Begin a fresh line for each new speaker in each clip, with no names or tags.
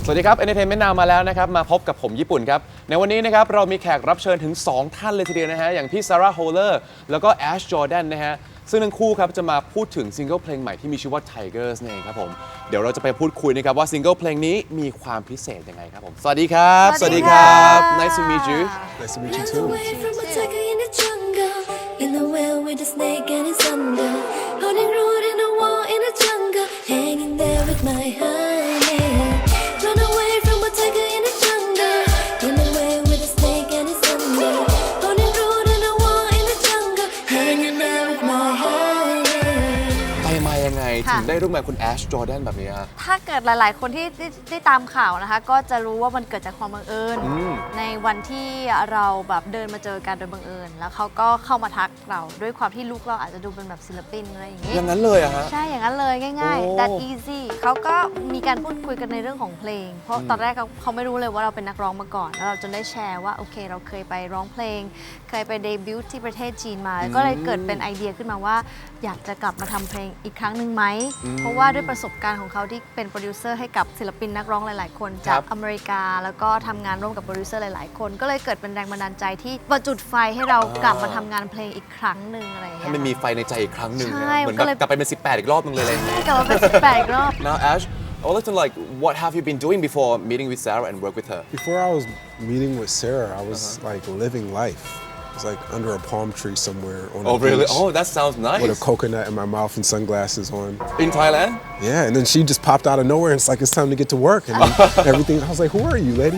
สวัสดีครับ Entertainment Now มาแล้วนะครับมาพบกับผมญี่ปุ่นครับในวันนี้นะครับเรามีแขกรับเชิญถึง 2 ท่านเลยทีเดียวนะฮะอย่างพี่ซาร่าโฮเลอร์แล้วก็แอชจอร์แดนนะฮะซึ่งทั้งคู่ครับจะมาพูดถึงซิงเกิลเพลงใหม่ที่มีชื่อว่า Tigers นั่นเองครับผมเดี๋ยวเราจะไปพูดคุยนะครับว่าซิงเกิลเพลงนี้มีความพิเศษยังไงครับผมสวัสดีครับ
สวัสดีครับ
Nice to meet you
Nice to meet you
Run
too.
away from a tiger in the jungle, in the well with a snake and his thunder, holding root in a wall in the jungle, hanging there with my honey. Run away from a tiger in the jungle, in the well with a snake and his thunder, holding root in a wall in the jungle, hanging there with my honey.
ไปมายังไงถึงได้ร่วมงานคุณแอชจอร์แดนแบบนี้ฮะ
ถ้าเกิดหลาย ๆ คนที่ตามข่าวนะคะ ก็จะรู้ว่ามันเกิดจากความบังเอิญในวันที่เราแบบเดินมาเจอกันโดยบังเอิญแล้วเขาก็เข้ามาทักเราด้วยความที่ลุคเราอาจจะดูเป็นแบบศิลปินอะไรอย่างนี้
อย่างนั้นเลยอะฮะ
ใช่อย่างนั้นเลยง่าย
โอ้
ๆ that easy เขาก็มีการพูดคุยกันในเรื่องของเพลง เพราะตอนแรกเขาไม่รู้เลยว่าเราเป็นนักร้องมาก่อน แล้วเราจนได้แชร์ว่าโอเคเราเคยไปร้องเพลง เคยไปเดบิวต์ที่ประเทศจีนมา ก็เลยเกิดเป็นไอเดียขึ้นมาว่า อยากจะกลับมาทำเพลงอีกครั้งหนึ่งไหม เพราะว่าด้วยประสบการณ์ของเขาที่เป็นโปรดิวเซอร์ให้กับศิลปินนักร้องหลาย ๆ คนจากอเมริกา แล้วก็ทำงานร่วมกับโปรดิวเซอร์หลาย ๆ คน ก็เลยเกิดเป็นแรงบันดาลใจที่ประจุดไฟให้เรากลับมาทำงานเพลงอีกครั้งหนึ่งอะไรอย่าง
ให้
เงี้ย
มันมีไฟในใจอีกครั้งหนึ่ง
ใช่
นะเหมือน
มันก็
แบบ
เลย
กลับไปเป็น 18 อีกรอบนึงเลยอะไรอย่างเงี้ย
กลับมาเป็น18อีกรอบ
Now Ash I would like to like what have you been doing before meeting with Sarah and work with her
Before I was meeting with Sarah, I was like living life. I was like under a palm tree somewhere on
Oh
the
really
beach
Oh that sounds
with a
nice
coconut in my mouth and sunglasses on.
In Thailand
Yeah, and then she just popped out of nowhere and it's like it's time to get to work and then everything. I was like, who are you, lady?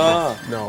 No,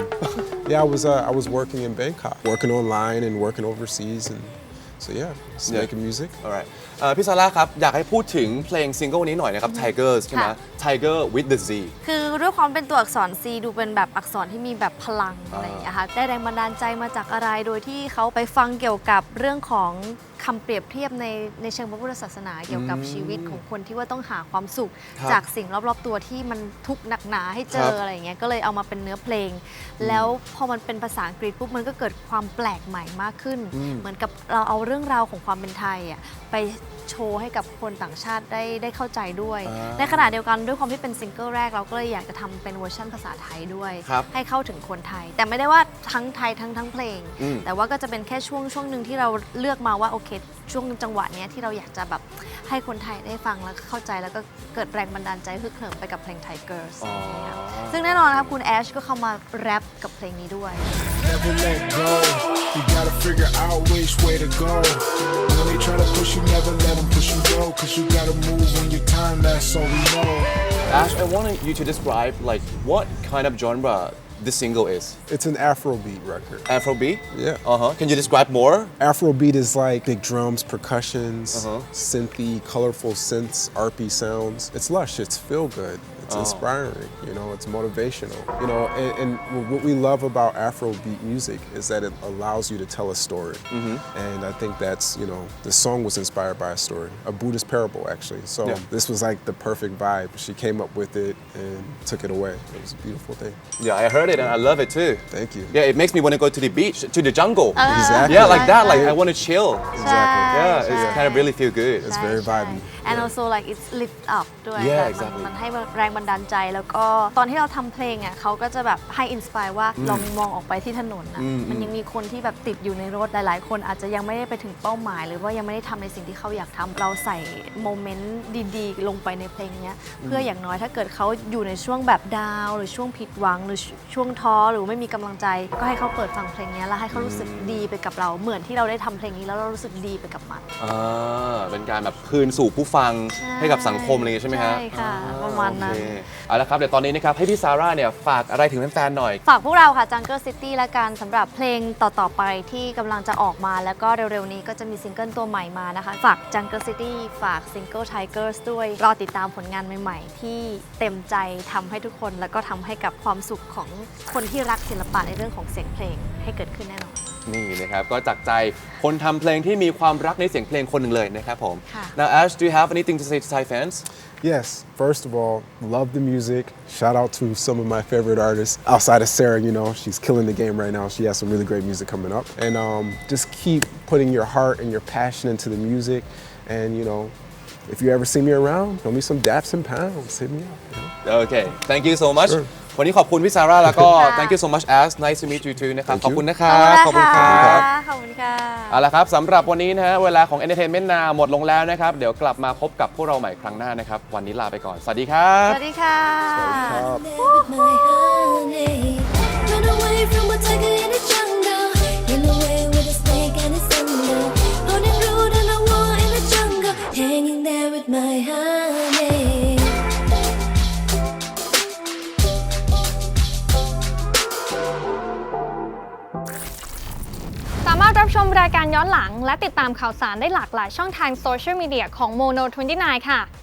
yeah, I was working in Bangkok, working online and working overseas, and so yeah, just
Yeah.
making music.
Alright พี่ซาร่าครับอยากให้พูดถึงเพลงซิงเกิลนี้หน่อยนะครับ Tigers ใช่ไหม
ค่ะ
Tiger with the Z
คือด้วยความเป็นตัวอักษร C ดูเป็นแบบอักษรที่มีแบบพลังอะไรอย่างเงี้ยค่ะได้แรงบันดาลใจมาจากอะไรโดยที่เขาไปฟังเกี่ยวกับเรื่องของคำเปรียบเทียบในเชิงพระพุทธศาสนาเกี่ยวกับชีวิตของคนที่ว่าต้องหาความสุข
ครับ
จากสิ่งรอบๆตัวที่มันทุกข์หนักหนาให้เจ
ครั
อบ อะไรอย่างเงี้ยก็เลยเอามาเป็นเนื้อเพลง แล้วพอมันเป็นภาษาอังกฤษปุ๊บมันก็เกิดความแปลกใหม่มากขึ้น เหมือนกับเราเอาเรื่องราวของความเป็นไทยอ่ะไปโชว์ให้กับคนต่างชาติได้เข้าใจด้วย ในขณะเดียวกันด้วยความที่เป็นซิงเกิลแรกเราก็เลยอยากจะทำเป็นเวอร์ชันภาษาไทยด้วย
ครับ
ให้เข้าถึงคนไทย แต่ไม่ได้ว่าทั้งไทยทั้งเพลง แต่ว่าก็จะเป็นแค่ช่วงหนึ่งที่เราเลือกมาว่าโอเคช่วงจังหวะเนี้ยที่เราอยากจะแบบให้คนไทยได้ฟังแล้วก็เข้าใจแล้วก็เกิดแรงบันดาลใจฮึกเหิมไปกับเพลง Tigers นะครับซึ่งแน่นอนนะครับคุณแอชก็เข้ามาแรปกับเพลงนี้ด้วย
Never let go. You gotta figure out which way to go. When they try to push you, never let them push you go. Cause you gotta move on your time, that's all we know.
Ash I wanted you to describe like what kind of genre this single is
It's an Afrobeat record.
Afrobeat
Yeah.
Can you describe more
Afrobeat is like big drums, percussions, synthy, colorful synths, arpy sounds. It's lush, it's feel good, it's inspiring, you know, it's motivational. You know, and what we love about Afrobeat music is that it allows you to tell a story. And I think that's, you know, the song was inspired by a story, a Buddhist parable actually. So
Yeah.
this was like the perfect vibe. She came up with it and took it away. It was a beautiful thing.
Yeah I heard it and I love it too
Thank you.
Yeah it makes me want to go to the beach to the jungle
Exactly.
Yeah like that like I want to chill
Exactly.
Yeah it's kind of really feel good
It's very vibey.
and also like it's lift up ด้วย
Yeah,
ค่ะ
exactly.
มันให้แรงบันดาลใจแล้วก็ตอนที่เราทำเพลงอ่ะเขาก็จะแบบให้อินสปายว่าลองมองออกไปที่ถนนนะมันยังมีคนที่แบบติดอยู่ในรถหลายๆ คนอาจจะยังไม่ได้ไปถึงเป้าหมาย หรือว่ายังไม่ได้ทำในสิ่งที่เขาอยากทำเราใส่โมเมนต์ดีๆ ลงไปในเพลงเนี้ยเพื่ออย่างน้อยถ้าเกิดเขาอยู่ในช่วงแบบดาวน์หรือช่วงผิดหวังหรือช่วงท้อหรือไม่มีกำลังใจ ก็ให้เขาเปิดฟังเพลงเนี้ยแล้วให้เขารู้สึกดีไปกับเราเหมือนที่เราได้ทำเพลงนี้แล้วเรารู้สึกดีไปกับมัน
เป็นการแบบคืนสู่ผู้ฟัง
ใช่
ให้กับสังคมอะไรอย่างงี้ใช่ไหมฮะ
ใช่ค่ะประมาณนั้น
โอเคเอาละครับเดี๋ยวตอนนี้นะครับให้พี่ซาร่าเนี่ยฝากอะไรถึงแฟนๆหน่อย
ฝากพวกเราค่ะ Jungle City และกันสำหรับเพลงต่อ ๆ ไปที่กำลังจะออกมาแล้วก็เร็ว ๆ นี้ก็จะมีซิงเกิลตัวใหม่มานะคะ ฝาก Jungle City ฝากซิงเกิล Tigers ด้วย รอติดตามผลงานใหม่ ๆ ที่เต็มใจทำให้ทุกคนแล้วก็ทำให้กับความสุขของคนที่รักศิลปะในเรื่องของเสียงเพลงให้เกิดขึ้นแน่นอน
นี่นะครับก็จากใจคนทำเพลงที่มีความรักในเสียงเพลงคนหนึ่งเลยนะครับผม
ค่ะ
Now Ash do you have anything to say to Thai fans
Yes, first of all, love the music. Shout out to some of my favorite artists outside of Sarah, you know, she's killing the game right now. She has some really great music coming up. And just keep putting your heart and your passion into the music and, you know, if you ever see me around, show me some daps and pounds. Hit me up. You know?
โอเค thank you so much
Sure.
วันนี้ขอบคุณพี่ซาร่าแล้วก็
ค่ะ
thank you so much Ash nice to meet you too นะครับ
Thank
ขอบ
you
คุณนะครับขอบคุณครับ
ขอบคุณค่ะ
เอาละครับสำหรับวันนี้นะฮะเวลาของ Entertainment Now หมดลงแล้วนะครับ เดี๋ยวกลับมาพบกับพวกเราใหม่ครั้งหน้านะครับ วันนี้ลาไปก่อน สวัสดีครับ
สวัสดีค่ะ
There with my honey. Run away from a tiger in the jungle. Run away with a snake and its thunder. Holding root on a wall in the jungle. Hanging there with my honey.
สามารถรับชมรายการย้อนหลังและติดตามข่าวสารได้หลากหลายช่องทางโซเชียลมีเดียของ Mono 29 ค่ะ